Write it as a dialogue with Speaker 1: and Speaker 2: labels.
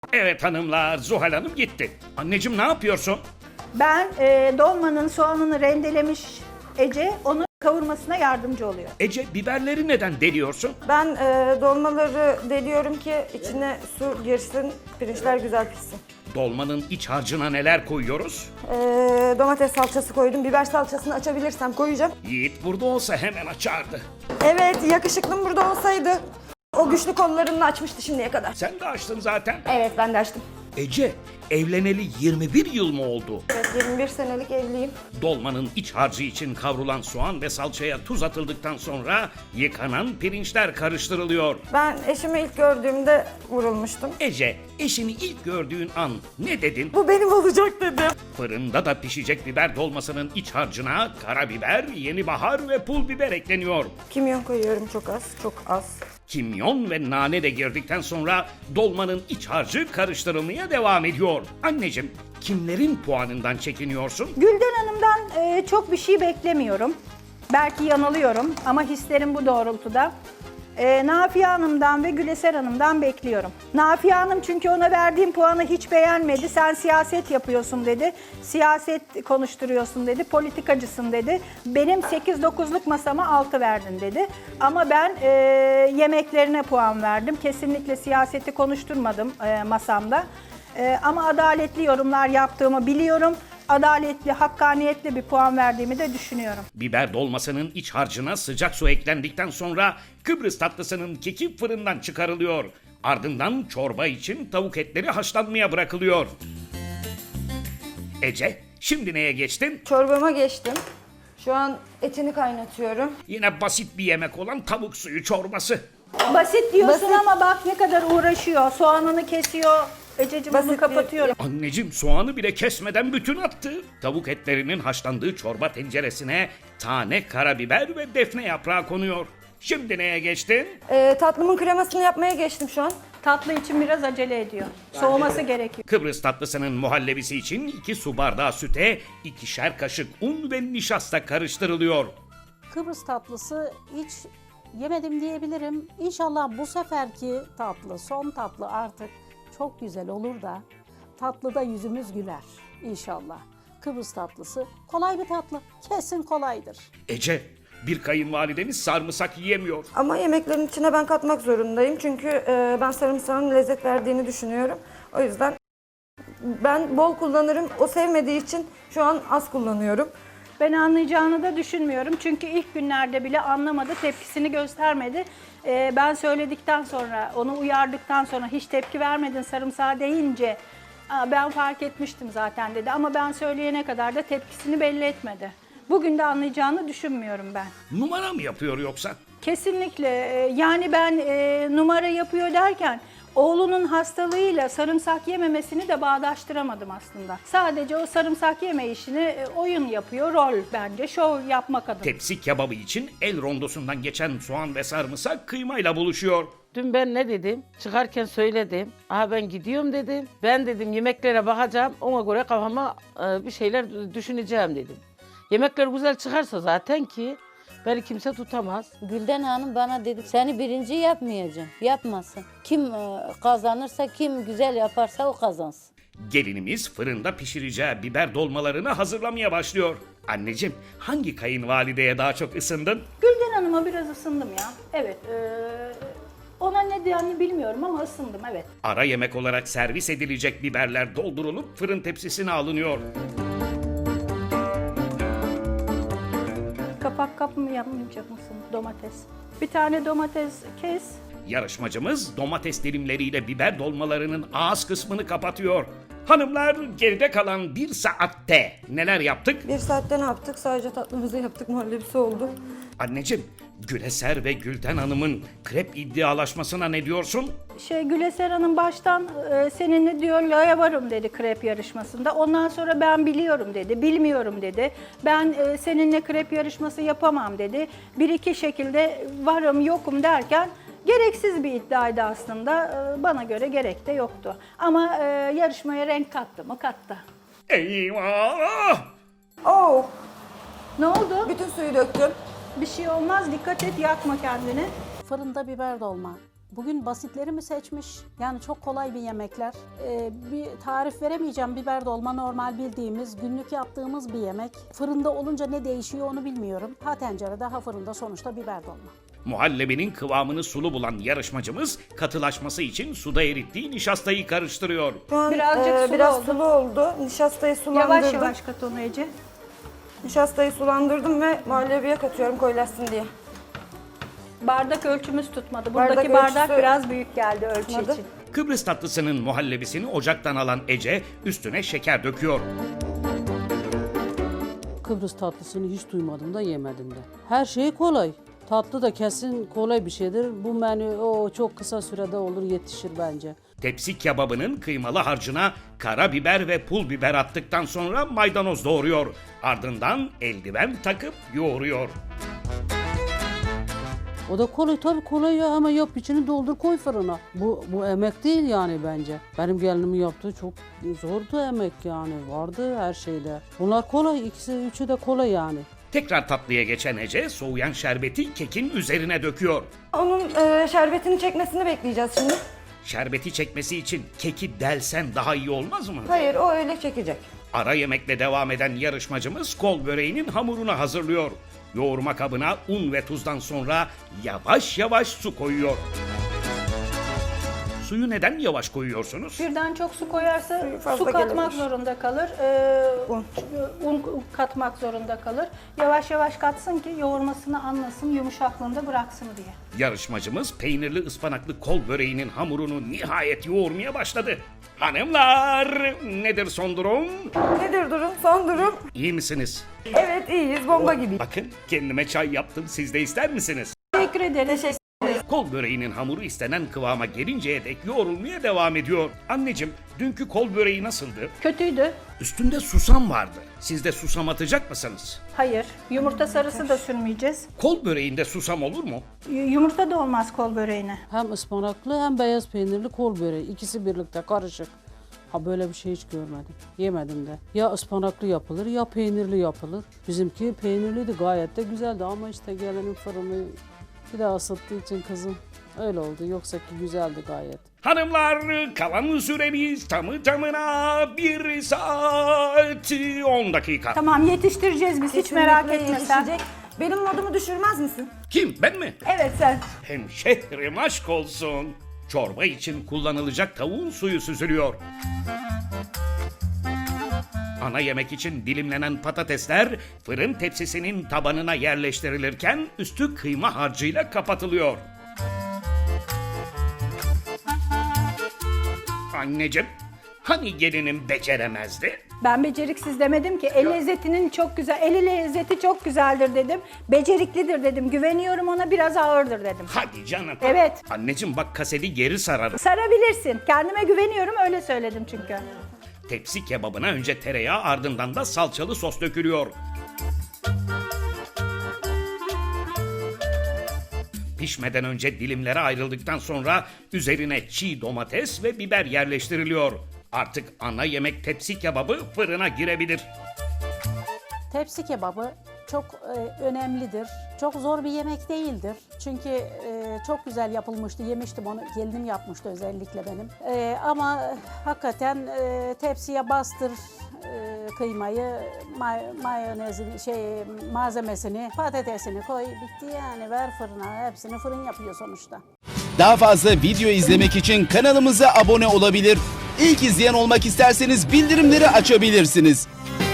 Speaker 1: Evet hanımlar, Zuhal Hanım gitti. Anneciğim ne yapıyorsun?
Speaker 2: Ben dolmanın soğanını rendelemiş Ece, onu kavurmasına yardımcı oluyor.
Speaker 1: Ece, biberleri neden deliyorsun?
Speaker 3: Ben dolmaları deliyorum ki içine su girsin, pirinçler güzel pişsin.
Speaker 1: Dolmanın iç harcına neler koyuyoruz?
Speaker 3: Domates salçası koydum. Biber salçasını açabilirsem koyacağım.
Speaker 1: Yiğit burada olsa hemen açardı.
Speaker 3: Evet, yakışıklım burada olsaydı o güçlü kollarını açmıştı şimdiye kadar.
Speaker 1: Sen de açtın zaten.
Speaker 3: Evet, ben de açtım.
Speaker 1: Ece, evleneli 21 yıl mı oldu?
Speaker 3: Evet, 21 senelik evliyim.
Speaker 1: Dolmanın iç harcı için kavrulan soğan ve salçaya tuz atıldıktan sonra yıkanan pirinçler karıştırılıyor.
Speaker 3: Ben eşimi ilk gördüğümde vurulmuştum.
Speaker 1: Ece, eşini ilk gördüğün an ne dedin?
Speaker 3: Bu benim olacak dedim.
Speaker 1: Fırında da pişecek biber dolmasının iç harcına karabiber, yeni bahar ve pul biber ekleniyor.
Speaker 3: Kimyon koyuyorum çok az, çok az.
Speaker 1: Kimyon ve nane de girdikten sonra dolmanın iç harcı karıştırılmaya devam ediyor. Anneciğim, kimlerin puanından çekiniyorsun?
Speaker 2: Gülden Hanım'dan çok bir şey beklemiyorum. Belki yanılıyorum ama hislerim bu doğrultuda. Nafiye Hanım'dan ve Güleser Hanım'dan bekliyorum. Nafiye Hanım çünkü ona verdiğim puanı hiç beğenmedi. Sen siyaset yapıyorsun dedi. Siyaset konuşturuyorsun dedi. Politikacısın dedi. Benim 8-9'luk masama 6 verdin dedi. Ama ben yemeklerine puan verdim. Kesinlikle siyaseti konuşturmadım masamda. Ama adaletli yorumlar yaptığımı biliyorum. Adaletli, hakkaniyetli bir puan verdiğimi de düşünüyorum.
Speaker 1: Biber dolmasının iç harcına sıcak su eklendikten sonra Kıbrıs tatlısının keki fırından çıkarılıyor. Ardından çorba için tavuk etleri haşlanmaya bırakılıyor. Ece, şimdi neye geçtin?
Speaker 3: Çorbama geçtim. Şu an etini kaynatıyorum.
Speaker 1: Yine basit bir yemek olan tavuk suyu çorbası.
Speaker 2: Basit diyorsun
Speaker 3: Basit.
Speaker 2: ama bak ne kadar uğraşıyor. Soğanını kesiyor. Ececiğim
Speaker 3: Basit
Speaker 2: bunu
Speaker 3: bir-
Speaker 2: kapatıyorum.
Speaker 1: Anneciğim soğanı bile kesmeden bütün attı. Tavuk etlerinin haşlandığı çorba tenceresine tane karabiber ve defne yaprağı konuyor. Şimdi neye geçtin?
Speaker 3: Tatlımın kremasını yapmaya geçtim şu an.
Speaker 2: Tatlı için biraz acele ediyor. Soğuması gerekiyor.
Speaker 1: Kıbrıs tatlısının muhallebisi için 2 su bardağı süte, 2'şer kaşık un ve nişasta karıştırılıyor.
Speaker 4: Kıbrıs tatlısı hiç yemedim diyebilirim. İnşallah bu seferki tatlı, son tatlı artık çok güzel olur da tatlıda yüzümüz güler inşallah. Kıbrıs tatlısı kolay bir tatlı. Kesin kolaydır.
Speaker 1: Ece, bir kayınvalidemiz sarımsak yiyemiyor.
Speaker 3: Ama yemeklerin içine ben katmak zorundayım. Çünkü ben sarımsağın lezzet verdiğini düşünüyorum. O yüzden ben bol kullanırım. O sevmediği için şu an az kullanıyorum.
Speaker 2: Ben anlayacağını da düşünmüyorum. Çünkü ilk günlerde bile anlamadı, tepkisini göstermedi. Ben söyledikten sonra, onu uyardıktan sonra hiç tepki vermedin sarımsağı deyince ben fark etmiştim zaten dedi. Ama ben söyleyene kadar da tepkisini belli etmedi. Bugün de anlayacağını düşünmüyorum ben.
Speaker 1: Numara mı yapıyor yoksa?
Speaker 2: Kesinlikle. Yani ben numara yapıyor derken oğlunun hastalığıyla sarımsak yememesini de bağdaştıramadım aslında. Sadece o sarımsak yeme işini oyun yapıyor, rol bence, şov yapmak adına.
Speaker 1: Tepsi kebabı için el rondosundan geçen soğan ve sarımsak kıymayla buluşuyor.
Speaker 5: Dün ben ne dedim? Çıkarken söyledim. Aha ben gidiyorum dedim. Ben dedim yemeklere bakacağım. Ona göre kafama bir şeyler düşüneceğim dedim. Yemekler güzel çıkarsa zaten ki beni kimse tutamaz.
Speaker 6: Gülden Hanım bana dedi seni birinci yapmayacağım. Yapmasın. Kim kazanırsa, kim güzel yaparsa o kazansın.
Speaker 1: Gelinimiz fırında pişireceği biber dolmalarını hazırlamaya başlıyor. Anneciğim, hangi kayınvalideye daha çok ısındın?
Speaker 2: Gülden Hanım'a biraz ısındım ya. Evet. Ona ne diyeceğini bilmiyorum ama ısındım, evet.
Speaker 1: Ara yemek olarak servis edilecek biberler doldurulup fırın tepsisine alınıyor.
Speaker 2: Kapak kap mı yapmayacak mısın domates? Bir tane domates kes.
Speaker 1: Yarışmacımız domates dilimleriyle biber dolmalarının ağız kısmını kapatıyor. Hanımlar, geride kalan 1 saatte neler yaptık?
Speaker 3: Bir saatte ne yaptık? Sadece tatlımızı yaptık. Muhallebisi oldu.
Speaker 1: Anneciğim, Güleser ve Gülden Hanım'ın krep iddialaşmasına ne diyorsun?
Speaker 2: Güleser Hanım baştan seninle düelloya varım dedi krep yarışmasında. Ondan sonra ben biliyorum dedi, bilmiyorum dedi. Ben seninle krep yarışması yapamam dedi. Bir iki şekilde varım yokum derken gereksiz bir iddiaydı aslında. Bana göre gerek de yoktu. Ama yarışmaya renk kattı mı? Kattı.
Speaker 1: Eyvah!
Speaker 3: Oh!
Speaker 2: Ne oldu?
Speaker 3: Bütün suyu döktüm.
Speaker 2: Bir şey olmaz, dikkat et, yakma kendini.
Speaker 4: Fırında biber dolma. Bugün basitleri mi seçmiş? Yani çok kolay bir yemekler. Bir tarif veremeyeceğim. Biber dolma normal bildiğimiz, günlük yaptığımız bir yemek. Fırında olunca ne değişiyor onu bilmiyorum. Ha tencerede ha fırında sonuçta biber dolma.
Speaker 1: Muhallebinin kıvamını sulu bulan yarışmacımız katılaşması için suda erittiği nişastayı karıştırıyor.
Speaker 3: Şu an
Speaker 2: Birazcık sulu
Speaker 3: biraz
Speaker 2: oldu.
Speaker 3: sulu oldu. Nişastayı sulandırdım.
Speaker 2: Yavaş yavaş kat onu Ece.
Speaker 3: Nişastayı sulandırdım ve muhallebiye katıyorum koyulaşsın diye.
Speaker 2: Bardak ölçümüz tutmadı.
Speaker 3: Bardak
Speaker 2: Buradaki bardak
Speaker 3: ölçüsü
Speaker 2: biraz büyük geldi ölçü
Speaker 3: tutmadı.
Speaker 2: için.
Speaker 1: Kıbrıs tatlısının muhallebisini ocaktan alan Ece üstüne şeker döküyor.
Speaker 7: Kıbrıs tatlısını hiç duymadım da yemedim de. Her şey kolay. Tatlı da kesin kolay bir şeydir. Bu menü çok kısa sürede olur, yetişir bence.
Speaker 1: Tepsi kebabının kıymalı harcına karabiber ve pul biber attıktan sonra maydanoz doğruyor. Ardından eldiven takıp yoğuruyor.
Speaker 7: O da kolay, tabii kolay ya, ama yap içini doldur koy fırına. Bu emek değil yani bence. Benim gelinimin yaptığı çok zordu emek yani. Vardı her şeyde. Bunlar kolay, ikisi üçü de kolay yani.
Speaker 1: Tekrar tatlıya geçen Ece soğuyan şerbeti kekin üzerine döküyor.
Speaker 3: Onun şerbetini çekmesini bekleyeceğiz şimdi.
Speaker 1: Şerbeti çekmesi için keki delsen daha iyi olmaz mı?
Speaker 3: Hayır, o öyle çekecek.
Speaker 1: Ara yemekle devam eden yarışmacımız kol böreğinin hamurunu hazırlıyor. Yoğurma kabına un ve tuzdan sonra yavaş yavaş su koyuyor. Suyu neden yavaş koyuyorsunuz?
Speaker 2: Birden çok su koyarsa
Speaker 3: Suyu fazla
Speaker 2: su katmak
Speaker 3: gelebilir.
Speaker 2: zorunda kalır.
Speaker 3: Un.
Speaker 2: Un katmak zorunda kalır. Yavaş yavaş katsın ki yoğurmasını anlasın, yumuşaklığında bıraksın diye.
Speaker 1: Yarışmacımız peynirli ıspanaklı kol böreğinin hamurunu nihayet yoğurmaya başladı. Hanımlar, nedir son durum?
Speaker 3: Nedir durum? Son durum.
Speaker 1: İyi misiniz?
Speaker 3: Evet, iyiyiz. Bomba gibi.
Speaker 1: Bakın kendime çay yaptım, siz de ister misiniz?
Speaker 2: Teşekkür ederiz.
Speaker 1: Kol böreğinin hamuru istenen kıvama gelinceye dek yoğrulmaya devam ediyor. Anneciğim, dünkü kol böreği nasıldı?
Speaker 2: Kötüydü.
Speaker 1: Üstünde susam vardı. Siz de susam atacak mısınız?
Speaker 2: Hayır. Yumurta sarısı da sürmeyeceğiz.
Speaker 1: Kol böreğinde susam olur mu?
Speaker 2: Yumurta da olmaz kol böreğine.
Speaker 7: Hem ıspanaklı hem beyaz peynirli kol böreği. İkisi birlikte karışık. Ha, böyle bir şey hiç görmedim. Yemedim de. Ya ıspanaklı yapılır ya peynirli yapılır. Bizimki peynirliydi, gayet de güzeldi ama işte gelenin fırını bir daha ısıttığı için kızım öyle oldu. Yoksa ki güzeldi gayet.
Speaker 1: Hanımlar, kalan süremiz tamı tamına 1 saat 10 dakika.
Speaker 2: Tamam, yetiştireceğiz biz, hiç merak
Speaker 3: Kesinlikle
Speaker 2: etme sen.
Speaker 3: yetişecek. Benim modumu düşürmez misin?
Speaker 1: Kim, ben mi?
Speaker 2: Evet sen.
Speaker 1: Hemşehrim aşk olsun. Çorba için kullanılacak tavuğun suyu süzülüyor. Ana yemek için dilimlenen patatesler fırın tepsisinin tabanına yerleştirilirken üstü kıyma harcıyla kapatılıyor. Anneciğim, hani gelinim beceremezdi?
Speaker 2: Ben beceriksiz demedim ki. El lezzetinin çok güzel, eli lezzeti çok güzeldir dedim. Beceriklidir dedim. Güveniyorum ona, biraz ağırdır dedim.
Speaker 1: Hadi canım.
Speaker 2: Evet.
Speaker 1: Anneciğim bak, kaseti geri sararım.
Speaker 2: Sarabilirsin. Kendime güveniyorum, öyle söyledim çünkü.
Speaker 1: Tepsi kebabına önce tereyağı, ardından da salçalı sos dökülüyor. Pişmeden önce dilimlere ayrıldıktan sonra üzerine çiğ domates ve biber yerleştiriliyor. Artık ana yemek tepsi kebabı fırına girebilir.
Speaker 4: Tepsi kebabı çok önemlidir. Çok zor bir yemek değildir. Çünkü çok güzel yapılmıştı. Yemiştim onu. Gelinim yapmıştı özellikle benim. Ama hakikaten tepsiye bastır kıymayı, mayonezini, malzemesini, patatesini koy. Bitti yani. Ver fırına. Hepsini fırın yapıyor sonuçta.
Speaker 8: Daha fazla video izlemek için kanalımıza abone olabilir. İlk izleyen olmak isterseniz bildirimleri açabilirsiniz.